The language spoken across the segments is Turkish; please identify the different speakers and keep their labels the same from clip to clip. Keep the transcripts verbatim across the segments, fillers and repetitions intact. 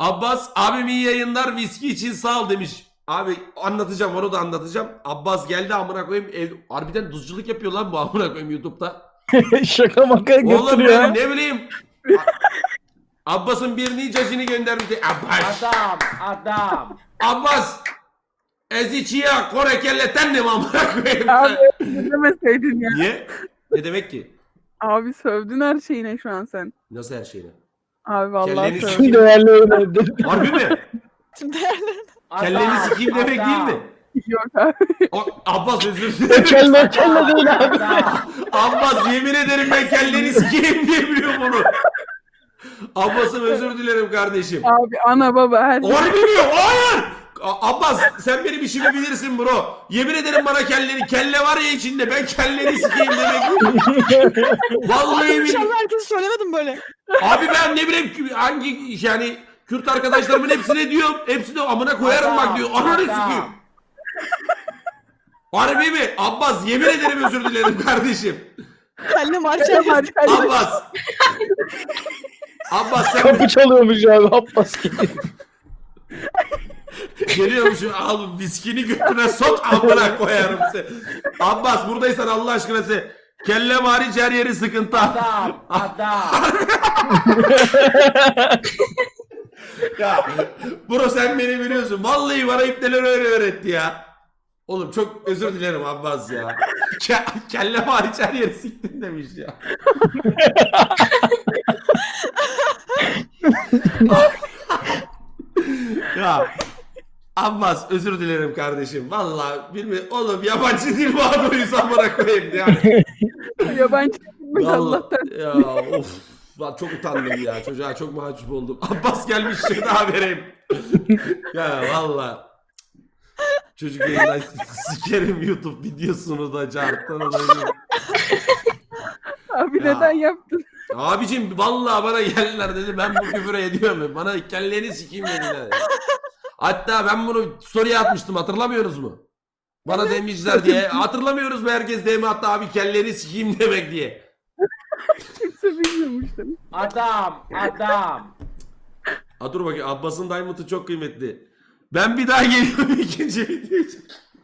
Speaker 1: Abbas abim iyi yayınlar, viski için sağ ol demiş. Abi anlatacağım, onu da anlatacağım. Abbas geldi amına koyayım, ev harbiden tuzculuk yapıyor lan bu amına koyayım YouTube'da.
Speaker 2: Şaka maka
Speaker 1: Oğlum
Speaker 2: götürüyor.
Speaker 1: ben ne bileyim. Abbas'ın bir nicacını göndermişti. Abbas.
Speaker 3: Adam, adam.
Speaker 1: Abbas. Eziçiya Kore kelleten ne mi amına koyayım?
Speaker 4: Abi ne demeseydin ya.
Speaker 1: Niye? Ne demek ki?
Speaker 4: Abi sövdün her şeyine şu an sen.
Speaker 1: Nasıl her şeyine?
Speaker 4: Abi vallahi
Speaker 1: Kelleni
Speaker 4: sövdün.
Speaker 1: sikeyim.
Speaker 2: Değerli öyle.
Speaker 1: Harbi mi?
Speaker 3: Adam,
Speaker 1: Kelleni sikeyim demek
Speaker 3: adam.
Speaker 1: değil mi?
Speaker 4: Yok abi.
Speaker 1: O, Abbas özür dilerim.
Speaker 2: Kelle kelle değil abi.
Speaker 3: Adam.
Speaker 1: Abbas yemin ederim ben kelleni sikeyim diye biliyorum onu. Abbas'ım özür dilerim kardeşim.
Speaker 4: Abi ana baba her şey.
Speaker 1: Harbi mi? Hayır! A- Abbas sen benim işimi bilirsin bro. Yemin ederim bana kelleni, kelle var ya içinde, ben kelleni sikeyim demek. Vallahi billahi.
Speaker 5: İnşallah herkese söylemedim böyle.
Speaker 1: Abi ben ne bileyim ki- hangi yani Kürt arkadaşlarımın hepsine diyorum. Hepsi de amına koyarım bak diyor. Ananı sikeyim. Harbi mi? Abbas yemin ederim özür dilerim kardeşim.
Speaker 5: Kelle marşa
Speaker 4: Hadi, hadi.
Speaker 1: Abbas. Abbas sen
Speaker 2: Kapı çalıyormuş abi. Abbas gidiyor.
Speaker 1: geliyormuşum, al viskini götüne sok amına koyarım seni. Abbas buradaysan Allah aşkına sen kellem hariç her yeri sıkıntı.
Speaker 3: Adam, adam.
Speaker 1: Ya bro sen beni biliyorsun. Vallahi bana ipneler öyle öğretti ya. Oğlum çok özür dilerim Abbas ya. Ke kellem hariç her yeri siktin demiş ya. Ya Abbas özür dilerim kardeşim. Vallahi bilmiyorum. Oğlum yabancı dil mağduruyuz amına koyayım yani.
Speaker 4: Yabancı gitmiş
Speaker 1: Vallahi
Speaker 4: Allah'tan.
Speaker 1: ya of. Lan çok utandım ya. Çocuğa çok mahcup oldum. Abbas gelmiş şöyle daha vereyim. Ya valla. Çocuk yayından sikerim YouTube videosunu da carttanı da.
Speaker 4: Abi
Speaker 1: Ya.
Speaker 4: neden yaptın?
Speaker 1: Abicim vallahi bana geldiler dedi, ben bu küfüre ediyorum. Bana kelleni sikeyim dediler. Hatta ben bunu story'e atmıştım, hatırlamıyoruz mu? Bana demişler diye. Hatırlamıyoruz mu, herkes D M attı abi kelleni sikeyim demek diye.
Speaker 4: Kimse bilmiyormuş demiş.
Speaker 3: Adam, adam.
Speaker 1: Ha dur bakayım, Abbas'ın Diamond'ı çok kıymetli. Ben bir daha geliyorum ikinci video için.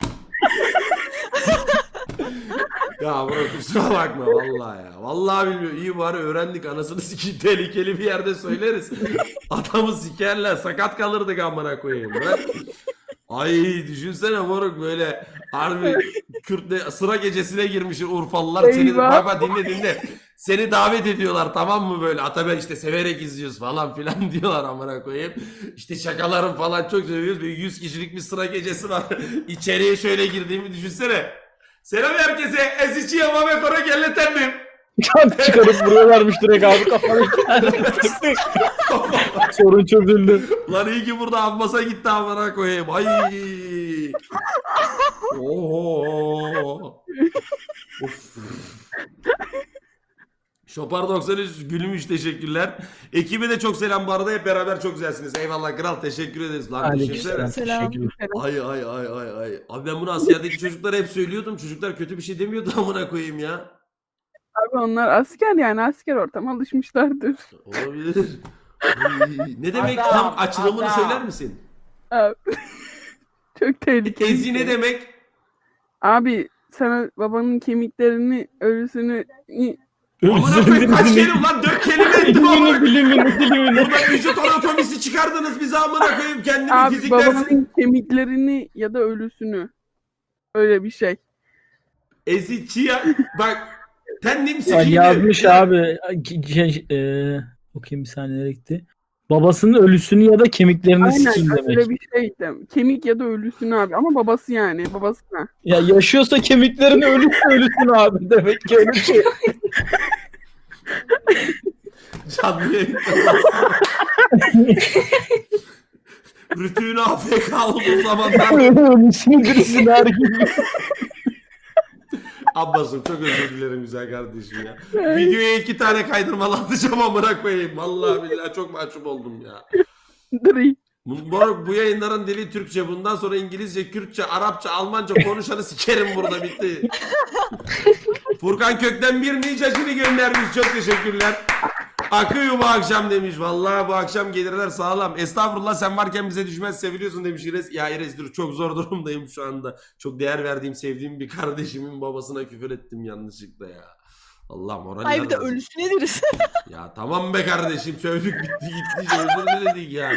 Speaker 1: Ya bro kusura bakma vallahi ya. Vallahi bilmiyorum. İyi bari öğrendik, anasını sikeyim, tehlikeli bir yerde söyleriz. Adamı sikerler, sakat kalırdık amına koyayım. Ben... Ay düşünsene moruk böyle harbi Kürt'le sıra gecesine girmiş Urfalılar seni,
Speaker 4: Eyvah.
Speaker 1: bak bak dinle dinle. Seni davet ediyorlar tamam mı böyle, Atabey işte severek izliyoruz falan filan diyorlar amına koyayım. İşte şakalarım falan çok seviyoruz. Böyle yüz kişilik bir sıra gecesi var. İçeriye şöyle girdiğimi düşünsene. Selam herkese. Ezici Yamame Kora Gelleten miyim?
Speaker 2: Kant çıkarıp vuruyorlarmış direkt abi kafana. Sorun çözüldü.
Speaker 1: Lan iyi ki burada Abbas'a gitti amına koyayım. Ay. Oho. Of. Şopar doksan üç gülmüş, teşekkürler. Ekibe de çok selam bu arada, hep beraber çok güzelsiniz. Eyvallah kral, teşekkür ederiz lan. Düşünsene.
Speaker 5: Selam.
Speaker 1: Ay ay ay ay ay. Abi ben bunu askerdeki çocuklara hep söylüyordum. Çocuklar kötü bir şey demiyordu amına koyayım ya.
Speaker 4: Abi onlar asker yani asker ortama alışmışlardır.
Speaker 1: Olabilir. Ay, ne demek
Speaker 3: Adam,
Speaker 1: tam açılımını
Speaker 3: adam.
Speaker 1: söyler misin?
Speaker 4: Abi. Çok tehlikeli.
Speaker 1: Ezi ne demek?
Speaker 4: Abi sana babanın kemiklerini, ölüsünü
Speaker 1: Amına koyayım kaç kelime lan? Dört kelime ettim amına
Speaker 2: Dilimini
Speaker 1: koyayım.
Speaker 2: dilimini dilimini.
Speaker 1: Burada vücut anatomisi çıkardınız bize amına koyayım. Kendimi
Speaker 4: abi
Speaker 1: fizik dersi.
Speaker 4: babanın kemiklerini ya da ölüsünü. Öyle bir şey.
Speaker 1: Ezi çiya. Bak. Tendim
Speaker 2: Ya
Speaker 1: sikiydi.
Speaker 2: yazmış abi. Şey, e, okuyayım bir saniye nereye gitti. Babasının ölüsünü ya da kemiklerini
Speaker 4: Aynen
Speaker 2: sikeyim demek.
Speaker 4: öyle bir şey de. Kemik ya da ölüsünü abi ama babası yani babasına.
Speaker 2: Ya yaşıyorsa kemiklerini ölüsü ölüsünü abi demek ki öyle bir şey.
Speaker 1: Canlı yayında. Rütüğün A F K olduğu zamanlar.
Speaker 2: Ölüsünü birisini her gibi.
Speaker 1: Abbas'ım çok özür dilerim güzel kardeşim ya. Videoya iki tane kaydırmalı atacağım amına koyayım. Vallahi billahi çok mahcup oldum ya.
Speaker 4: Dri.
Speaker 1: Bu, bu, bu yayınların dili Türkçe. Bundan sonra İngilizce, Kürtçe, Arapça, Almanca konuşanı sikerim burada, bitti. Furkan Kökten bir nicacını göndermiş. Çok teşekkürler. Akıyor bu akşam demiş. Vallahi bu akşam gelirler sağlam. Estağfurullah sen varken bize düşmez seviliyorsun demiş İrez. Ya İrez dur çok zor durumdayım şu anda. Çok değer verdiğim sevdiğim bir kardeşimin babasına küfür ettim yanlışlıkla ya. Allah moraller
Speaker 5: Ay bir de
Speaker 1: bozuldu.
Speaker 5: ölüsüne deriz.
Speaker 1: Ya tamam be kardeşim sövdük bitti gitti özür diledik yani.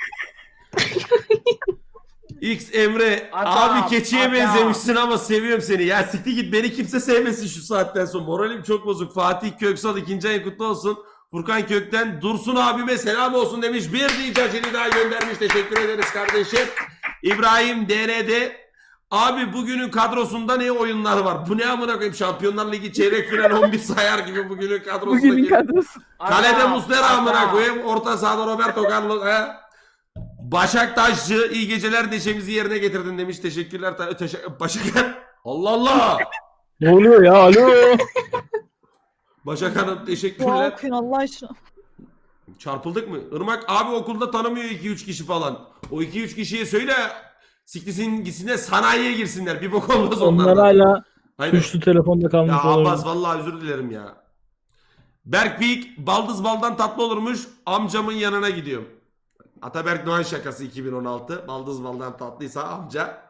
Speaker 1: X Emre
Speaker 3: Adam,
Speaker 1: abi keçiye
Speaker 3: adam.
Speaker 1: benzemişsin ama seviyorum seni. Ya siktir git beni kimse sevmesin şu saatten sonra. Moralim çok bozuk. Fatih Köksal ikinci ayın kutlu olsun. Furkan Kökten Dursun abime selam olsun demiş. Bir diyeceğini daha göndermiş. Teşekkür ederiz kardeşim. İbrahim D R D abi bugünün kadrosunda ne oyunlar var? Bu ne amına koyayım? Şampiyonlar Ligi çeyrek final on bir sayar gibi bugünün kadrosundaki.
Speaker 4: Bugünün kadrosu.
Speaker 1: Kalede
Speaker 3: Adam,
Speaker 1: Muslera amına
Speaker 3: adam.
Speaker 1: koyayım. Orta sahada Roberto Carlos. He? Başak Taşçı iyi geceler neşemizi yerine getirdin demiş. Teşekkürler. Ta- teşekkür Başak Allah Allah.
Speaker 2: Ne oluyor ya? Alo.
Speaker 1: Başak Hanım
Speaker 5: Dua
Speaker 1: teşekkürler.
Speaker 5: okuyun Allah aşkına.
Speaker 1: Çarpıldık mı? Irmak abi okulda tanımıyor iki üç kişi falan. O iki üç kişiye söyle siklisin gitsinler sanayiye girsinler. Bir bok olmaz
Speaker 2: Onlar
Speaker 1: onlardan.
Speaker 2: hala
Speaker 1: Aynen.
Speaker 2: tuşlu telefonda kalmış
Speaker 1: Ya
Speaker 2: olabilir.
Speaker 1: Abbas vallahi özür dilerim ya. Berk Beyik baldız baldan tatlı olurmuş. Amcamın yanına gidiyorum. Ataberk Doğan şakası iki bin on altı. Baldız baldan tatlıysa amca.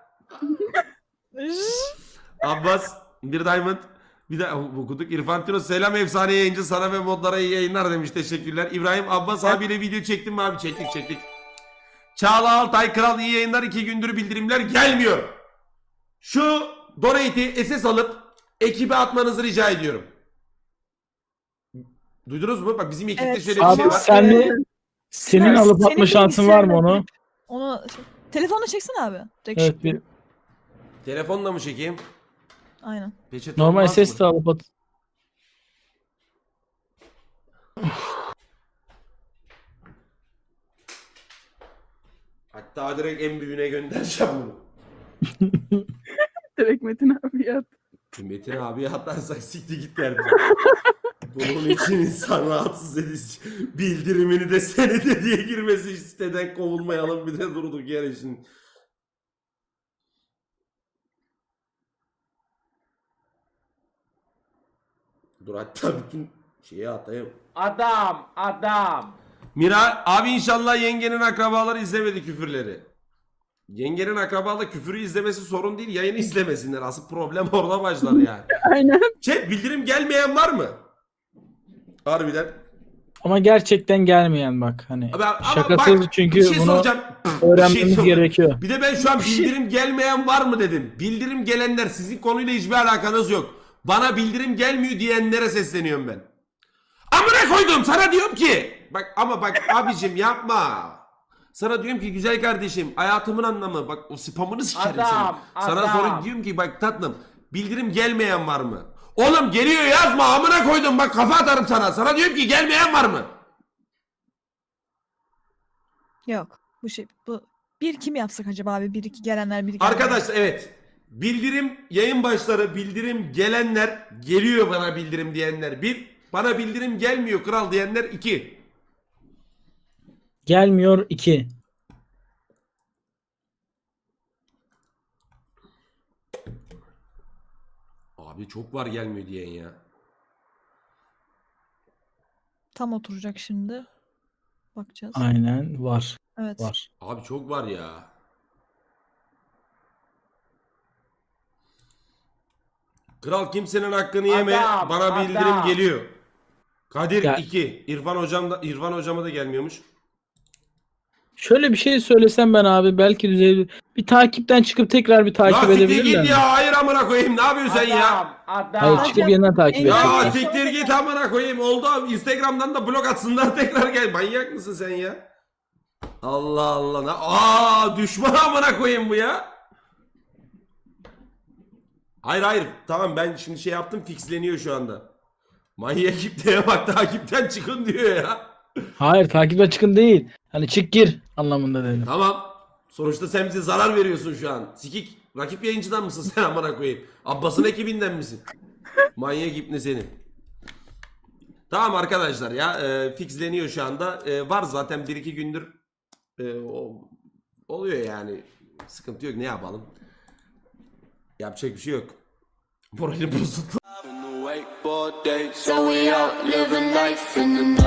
Speaker 1: Abbas bir diamond. Bir de okuduk. İrfan Tino selam efsane yayıncı sana ve modlara iyi yayınlar demiş. Teşekkürler. İbrahim Abbas abiyle video çektim mi abi? Çektik çektik. Çağla Altay Kral iyi yayınlar. iki gündür bildirimler gelmiyor. Şu donate'i S S alıp ekibe atmanızı rica ediyorum. Duydunuz mu? Bak bizim ekipte
Speaker 5: Evet.
Speaker 1: şöyle bir
Speaker 2: Abi
Speaker 1: şey var.
Speaker 2: sen de senin
Speaker 5: Evet,
Speaker 2: alıp
Speaker 5: senin
Speaker 2: atma şansın var mı onu?
Speaker 5: Onu telefonla çeksene abi. Direkt
Speaker 2: Evet
Speaker 5: şık.
Speaker 2: bir
Speaker 1: Telefonla mı çekeyim?
Speaker 5: Aynen.
Speaker 1: Peçete
Speaker 2: normal
Speaker 1: olmaz
Speaker 2: ses
Speaker 1: mı?
Speaker 2: de alıp at.
Speaker 1: Hatta direkt en büyüğüne göndereceğim bunu.
Speaker 4: Direkt Metin abi yat.
Speaker 1: Metin abiye atarsak sikti git derdim. Bunun için insan rahatsız edici. Bildirimini de senede diye girmesi siteden kovulmayalım bir de durduk yer için. Dur hatta bütün şeyi atayım.
Speaker 3: Adam, adam.
Speaker 1: Mira abi inşallah yengenin akrabaları izlemedi küfürleri. Yengenin akrabaları küfürü izlemesi sorun değil, yayını izlemesinler. Asıl problem orada başlar yani.
Speaker 4: Aynen.
Speaker 1: Chat bildirim gelmeyen var mı? Harbiden.
Speaker 2: Ama gerçekten gelmeyen bak hani.
Speaker 1: Abi, ama
Speaker 2: Şakasız
Speaker 1: bak,
Speaker 2: çünkü
Speaker 1: bir şey
Speaker 2: bunu
Speaker 1: soracağım. Bir
Speaker 2: öğrenmemiz
Speaker 1: şey soracağım.
Speaker 2: gerekiyor.
Speaker 1: Bir de ben şu an bildirim gelmeyen var mı dedim. Bildirim gelenler sizin konuyla hiçbir alakanız yok. Bana bildirim gelmiyor diyenlere sesleniyorum ben. Amına koydum sana diyorum ki. Bak ama bak abicim yapma. Sana diyorum ki güzel kardeşim hayatımın anlamı bak o spamını sikerim
Speaker 3: Adam,
Speaker 1: senin. Sana
Speaker 3: adam.
Speaker 1: sonra diyorum ki bak tatlım bildirim gelmeyen var mı? Oğlum geliyor yazma amına koydum bak kafa atarım sana. Sana diyorum ki gelmeyen var mı?
Speaker 5: Yok. Bu şey bu bir kim yapsak acaba abi? Bir iki gelenler bir iki gelenler.
Speaker 1: Arkadaşlar evet. Bildirim yayın başları bildirim gelenler geliyor bana bildirim diyenler bir. Bana bildirim gelmiyor kral diyenler iki.
Speaker 2: Gelmiyor iki.
Speaker 1: Abi çok var gelmiyor diyen ya.
Speaker 5: Tam oturacak şimdi. Bakacağız.
Speaker 2: Aynen var.
Speaker 5: Evet.
Speaker 2: Var.
Speaker 1: Abi çok var ya. Kral kimsenin hakkını yeme.
Speaker 3: Adam,
Speaker 1: Bana bildirim
Speaker 3: adam.
Speaker 1: geliyor. Kadir
Speaker 2: Ya-
Speaker 1: iki. İrfan hocam da İrfan hocama da gelmiyormuş.
Speaker 2: Şöyle bir şey söylesem ben abi belki düzelir. Bir takipten çıkıp tekrar bir takip
Speaker 1: Ya siktir
Speaker 2: edebilirler
Speaker 1: git
Speaker 2: mi?
Speaker 1: ya. Hayır amına koyayım. Ne yapıyorsun sen ya?
Speaker 3: Adam, adam.
Speaker 2: Hayır çıkıp yeniden takip
Speaker 5: Ya,
Speaker 1: Ya
Speaker 2: edecekler.
Speaker 1: siktir git amına koyayım. Oldu abi. Instagram'dan da blok atsınlar tekrar gel. Manyak mısın sen ya? Allah Allah. Ne- Aa düşman amına koyayım bu ya. Hayır hayır. Tamam ben şimdi şey yaptım fixleniyor şu anda. Manyak kitleye bak takipten çıkın diyor ya.
Speaker 2: Hayır takipten çıkın değil. Hani çık gir anlamında dedim.
Speaker 1: Tamam. Sonuçta sen bize zarar veriyorsun şu an. Sikik. Rakip yayıncıdan mısın sen amına koyayım? Abbas'ın ekibinden misin? Manyak ipne seni. Tamam arkadaşlar ya. E, fixleniyor şu anda. E, var zaten bir iki gündür. E, o, oluyor yani. Sıkıntı yok ne yapalım. Yapacak bir şey yok. Moralim bozuldu.
Speaker 6: So we out living life in the